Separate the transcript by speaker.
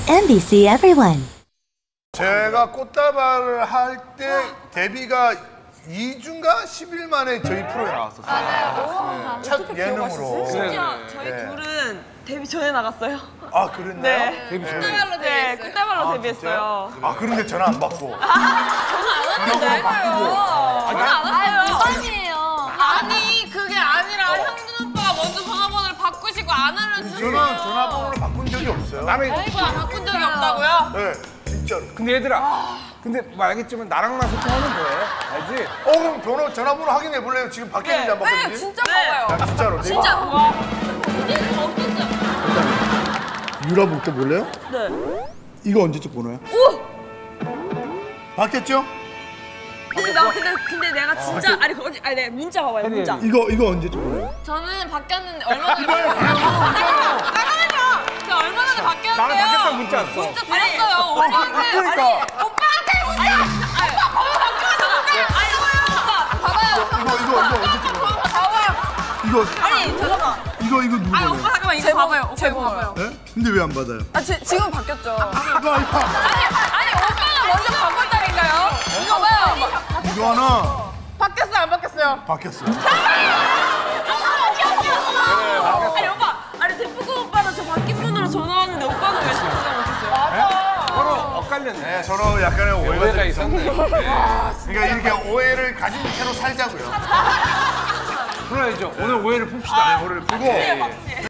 Speaker 1: NBC Everyone.
Speaker 2: 제가 꽃다발을 할 때 데뷔가 2주인가 10일 만에 저희 프로에 나왔었어요.
Speaker 3: 맞아요.
Speaker 2: 첫 예능으로.
Speaker 3: 심지어 저희 둘은 데뷔 전에 나갔어요.
Speaker 2: 아, 그랬나요?
Speaker 3: 네.
Speaker 2: 데뷔 전에.
Speaker 3: 꽃다발로 데뷔했어요. 꽃다발로 데뷔했어요.
Speaker 2: 아, 그런데 전화 안 받고.
Speaker 3: 전화 안 왔어요.
Speaker 4: 아니에요.
Speaker 3: 아니 그게 아니라 형준 오빠가 먼저 전화번호를 바꾸시고 안 알려주시고
Speaker 2: 저는 전화번호를 바꾼 적이 없어요.
Speaker 3: 바꾼 적이 없다고요?
Speaker 2: 네, 진짜로.
Speaker 5: 근데 얘들아, 근데 뭐 알겠지만 나랑만 소통하면 돼. 알지?
Speaker 2: 그럼 전화번호 확인해 볼래요? 지금 바뀌었는지 안 바뀌었는지?
Speaker 3: 네, 진짜 봐봐요.
Speaker 2: 아, 진짜로.
Speaker 3: 진짜 와. 이제는 없었어요.
Speaker 2: 유라 볼때 볼래요?
Speaker 3: 네.
Speaker 2: 이거 언제쯤 번호야?
Speaker 3: 오!
Speaker 2: 바뀌었죠?
Speaker 3: 근데 내가 진짜 아니 네 문자 봐봐요 문자.
Speaker 2: 이거 언제쯤 번호야?
Speaker 3: 저는 바뀌었는데 얼마 전에 잠깐만요. 저 얼마 전에 바뀌었는데요.
Speaker 5: 나는 바뀌었다고 문자 왔어.
Speaker 3: 문자 드렸어요. 오빠한테.
Speaker 5: 그러니까.
Speaker 3: 오빠한테 문자. 오빠 번호 바뀌었어. 오빠 봐봐요.
Speaker 2: 이거 언제쯤 번호야?
Speaker 3: 봐봐요.
Speaker 2: 이거
Speaker 3: 아니 잠깐만.
Speaker 2: 이거 누구
Speaker 3: 아니
Speaker 2: 번호야?
Speaker 3: 오빠 잠깐만 이거 봐봐요. 오빠 이거 봐봐요.
Speaker 2: 네? 근데 왜 안 받아요?
Speaker 3: 지금 바뀌었죠.
Speaker 2: 이거
Speaker 3: 아니 오빠가 먼저 바꿨다니까요. 이거 봐요.
Speaker 2: 이거 하나
Speaker 3: 바뀌었어요 안 바뀌었어요?
Speaker 2: 바뀌었어요.
Speaker 3: 아니 오빠 아니 대표고 오빠는 저 바뀐 번호로 전화 왔는데 오빠는 왜 전화 못했어요? 맞아.
Speaker 5: 서로 엇갈렸네.
Speaker 2: 네, 서로 약간의 오해가
Speaker 5: 오해가
Speaker 2: 좀
Speaker 5: 있었네.
Speaker 2: 그러니까 이렇게 오해를 가진 채로 살자고요.
Speaker 5: 그래야죠. 오늘 오해를 풉시다.
Speaker 2: 오해를 풀고